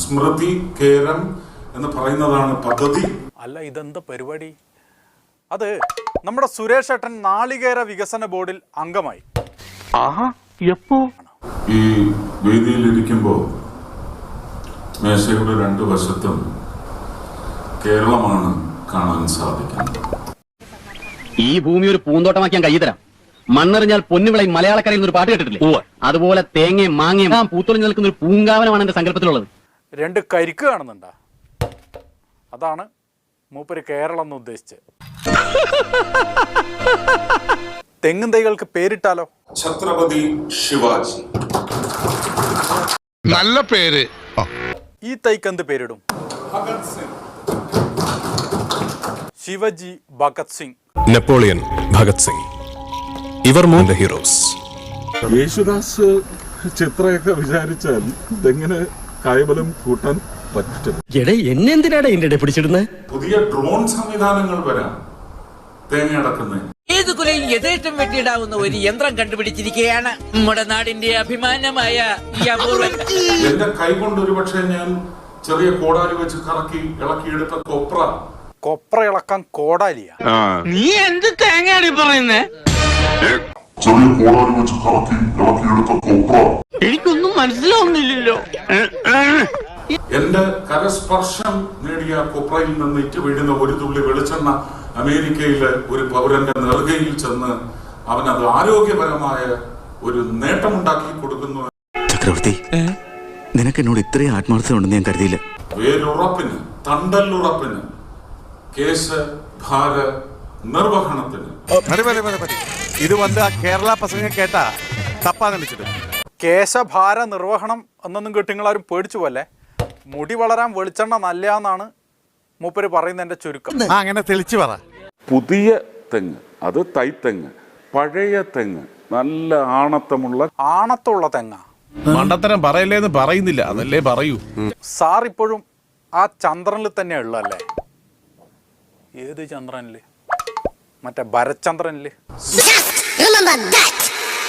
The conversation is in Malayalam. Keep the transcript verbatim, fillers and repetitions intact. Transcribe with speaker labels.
Speaker 1: സ്മൃതി കേരം എന്ന് പറയുന്നതാണ് പദ്ധതി.
Speaker 2: അല്ല, ഇതെന്താ പരിപാടി? അത് നമ്മുടെ സുരേഷ് ഏട്ടൻ നാളികേര വികസന ബോർഡിൽ അംഗമായി.
Speaker 1: ഈ വേദിയിലിരിക്കുമ്പോൾ മേശയുടെ രണ്ടു വശത്തും കേരളമാണ് കാണാൻ സാധിക്കുന്നത്.
Speaker 3: ഈ ഭൂമി ഒരു പൂന്തോട്ടമാക്കാൻ കൈ തരാം. മണ്ണെറിഞ്ഞാൽ പൊന്നുവിളയും മലയാളക്കരയിൽ ഒരു പാട്ട് കേട്ടിട്ടില്ലേ? അതുപോലെ തേങ്ങയും മാങ്ങയും പൂത്തൊളിഞ്ഞു നിൽക്കുന്ന ഒരു പൂങ്കാവനമാണ് എന്റെ സങ്കല്പത്തിലുള്ളത്.
Speaker 2: രണ്ട് കരിക്ക് കാണുന്നുണ്ടാ? അതാണ് മൂപ്പര് കേരളം എന്ന് ഉദ്ദേശിച്ച്. തെങ്ങും തൈകൾക്ക് പേരിട്ടാലോ?
Speaker 1: ഛത്രപതി ശിവാജി.
Speaker 4: നല്ല പേര്.
Speaker 2: ഈ തൈക്ക് എന്ത് പേരിടും?
Speaker 1: ഭഗത് സിംഗ്.
Speaker 2: ശിവജി, ഭഗത് സിംഗ്,
Speaker 5: നെപ്പോളിയൻ, ഭഗത് സിംഗ്, ഇവർ മൂന്ന് ഹീറോസ്.
Speaker 1: യേശുദാസ് ചിത്രയൊക്കെ വിചാരിച്ചാൽ ഇതെങ്ങനെ കായബലം കൂട്ടാൻ പറ്റും.
Speaker 3: എന്നെന്തിനാണ് എന്റെ പിടിച്ചിടുന്നത്?
Speaker 1: പുതിയ ഡ്രോൺ സംവിധാനങ്ങൾ വരാം തേങ്ങ അടക്കുന്നത്.
Speaker 6: ഏത് കുലയും യഥേഷ്ടം വെട്ടിയിടാവുന്ന ഒരു യന്ത്രം കണ്ടുപിടിച്ചിരിക്കുകയാണ് നമ്മുടെ നാടിന്റെ അഭിമാനമായ ഈ അപൂർവൻ.
Speaker 1: എന്റെ കൈകൊണ്ട് ഒരുപക്ഷെ ഞാൻ ചെറിയ കോടാലി വെച്ച് കറക്കി ഇളക്കിയെടുത്ത കൊപ്ര.
Speaker 2: കൊപ്ര ഇളക്കാൻ കോടാലിയ?
Speaker 6: നീ എന്ത് തേങ്ങയാണ് പറയുന്നേ?
Speaker 1: ചെറിയ കോടാലി വെച്ച് കറക്കി ഇളക്കിയെടുത്ത കൊപ്ര.
Speaker 6: എനിക്കൊന്നും മനസ്സിലാവുന്നില്ലല്ലോ.
Speaker 1: എന്റെ കരസ്പർശം നേടിയ കൊപ്രയിൽ നിന്ന് ഇറ്റ് വീഴുന്ന ഒരു തുള്ളി വെളിച്ചെണ്ണ അമേരിക്കയിലെ ഒരു പൗരന്റെ നെറുകയിൽ ചെന്ന് അവനത് ആരോഗ്യപരമായ ഒരു നേട്ടമുണ്ടാക്കി കൊടുക്കുന്നു.
Speaker 7: ചക്രവർത്തി, നിനക്ക് എന്നോട് ഇത്രയും ആത്മാർത്ഥത ഉണ്ടെന്ന് ഞാൻ കരുതിയില്ല.
Speaker 1: വേരുറപ്പിന്, തണ്ടല്ലുറപ്പിന്, കേസ് ഭാര നിർവഹണത്തിന്.
Speaker 4: ഇത് വന്ന് കേരള പ്രസംഗം കേട്ടാ തപ്പാ നിனைച്ചിട്ട്.
Speaker 2: കേശഭാര നിർവഹണം എന്നൊന്നും കേട്ട് നിങ്ങളാരും പേടിച്ചു പോലെ. മുടി വളരാൻ വെളിച്ചെണ്ണ നല്ലതാണെന്നാണ് മൂപ്പര് പറയുന്നതിന്റെ ചുരുക്കം.
Speaker 4: അങ്ങനെ തെളിച്ചു പറ.
Speaker 1: പുതിയ തെങ്ങ്, അത് തൈത്തെങ്ങ്. പഴയ തെങ്ങ് നല്ല ആണത്തമുള്ള
Speaker 2: ആണത്തുള്ള തെങ്ങ.
Speaker 4: മണ്ടത്തരം പറയല്ലേന്ന് പറയുന്നില്ല, അതല്ലേ പറയൂ.
Speaker 2: സാർ ഇപ്പോഴും ആ ചന്ദ്രനിൽ തന്നെ ഉള്ളല്ലേ? ഏത് ചന്ദ്രനില്? മറ്റേ ഭരചന്ദ്രനില്.